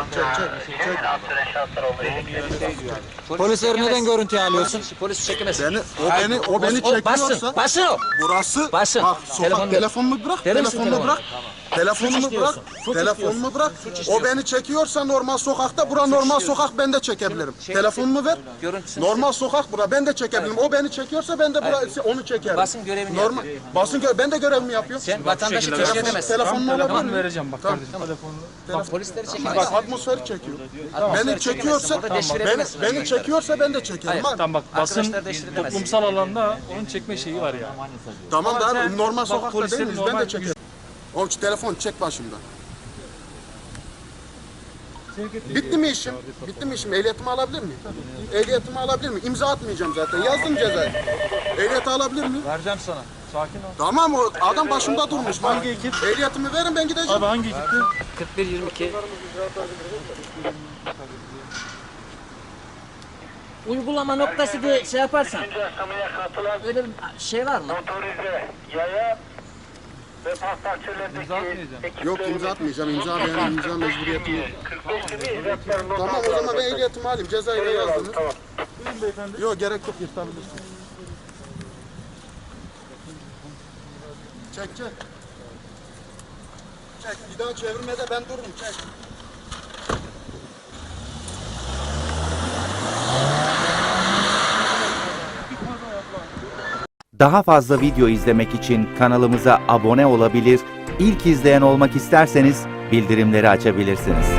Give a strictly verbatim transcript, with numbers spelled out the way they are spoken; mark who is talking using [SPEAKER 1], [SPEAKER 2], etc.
[SPEAKER 1] çek çek.
[SPEAKER 2] Polisleri neden görüntüye alıyorsun? Polis çekemez.
[SPEAKER 1] Beni, o beni, o beni
[SPEAKER 2] Basın,
[SPEAKER 1] çekiyorsa,
[SPEAKER 2] basın o.
[SPEAKER 1] burası,
[SPEAKER 2] Basın.
[SPEAKER 1] bak sokak,
[SPEAKER 2] Telefonu-
[SPEAKER 1] telefonumu bırak,
[SPEAKER 2] Verir misin
[SPEAKER 1] telefonumu
[SPEAKER 2] telefonu?
[SPEAKER 1] bırak, telefonumu bırak,
[SPEAKER 2] istiyorsun, suç
[SPEAKER 1] telefonumu bırak.
[SPEAKER 2] istiyorsun.
[SPEAKER 1] O beni çekiyorsa normal sokakta, bura normal sokak, ben de çekebilirim.
[SPEAKER 2] Şey-
[SPEAKER 1] Telefonumu ver,
[SPEAKER 2] Görüntüsünü
[SPEAKER 1] normal sokak bura, ben de çekebilirim. O beni çekiyorsa ben de bura, onu çekerim.
[SPEAKER 2] Basın görevini
[SPEAKER 1] Normal, basın gö ben de görevimi yapıyorum.
[SPEAKER 2] Sen vatandaşı teşkil
[SPEAKER 1] Telefon,
[SPEAKER 2] edemezsin.
[SPEAKER 1] telefonumu alabilir miyim?
[SPEAKER 3] Vereceğim bak kardeşim telefonunu.
[SPEAKER 2] Bak polisleri çekemez.
[SPEAKER 1] Bak atmosferi çekiyor. Beni çekiyorsa,
[SPEAKER 2] Burada deşifre
[SPEAKER 1] beni,
[SPEAKER 2] edemezsin
[SPEAKER 1] beni
[SPEAKER 2] arkadaşlar.
[SPEAKER 1] çekiyorsa ben de çekerim.
[SPEAKER 2] Hayır.
[SPEAKER 1] Bak,
[SPEAKER 3] Tamam bak basın
[SPEAKER 2] Arkadaşlar değiştirilemez.
[SPEAKER 3] toplumsal alanda onun çekme şeyi var ya.
[SPEAKER 1] tamam da
[SPEAKER 3] Ama
[SPEAKER 1] abi,
[SPEAKER 3] sen-
[SPEAKER 1] normal
[SPEAKER 3] bak,
[SPEAKER 1] sokakta
[SPEAKER 3] polislerin
[SPEAKER 1] değil miyiz? Ben
[SPEAKER 3] normal
[SPEAKER 1] de çekerim. Oğlum şu telefon çek başımdan. Bitti mi işim? Bitti mi işim? Ehliyetimi alabilir miyim? Ehliyetimi alabilir miyim? İmza atmayacağım zaten. Yazdım cezayı. Ehliyeti alabilir miyim?
[SPEAKER 3] Vereceğim sana. Sakin ol.
[SPEAKER 1] Tamam, o adam başımda durmuş. Bak,
[SPEAKER 3] Hangi ekip?
[SPEAKER 1] ehliyetimi verin, ben gideceğim.
[SPEAKER 3] Abi hangi ekipti?
[SPEAKER 2] kırk bir yirmi iki. Uygulama noktası diye şey yaparsan. Öyle bir şey var mı?
[SPEAKER 4] Motorize, yaya ve pastakçılardaki
[SPEAKER 1] Yok, imza atmayacağım. İmza benim imza mecburiyetim yok.
[SPEAKER 4] kırk beş gibi hizmetlerin not
[SPEAKER 1] Tamam, o zaman ben ehliyetimi alayım. Cezayı da yazdınız.
[SPEAKER 4] Tamam.
[SPEAKER 1] Yok, gerek yok, yırtabilirsin. Çek çek. Çek, bir daha çevirmede ben dururum, çek.
[SPEAKER 5] Daha fazla video izlemek için kanalımıza abone olabilir, ilk izleyen olmak isterseniz bildirimleri açabilirsiniz.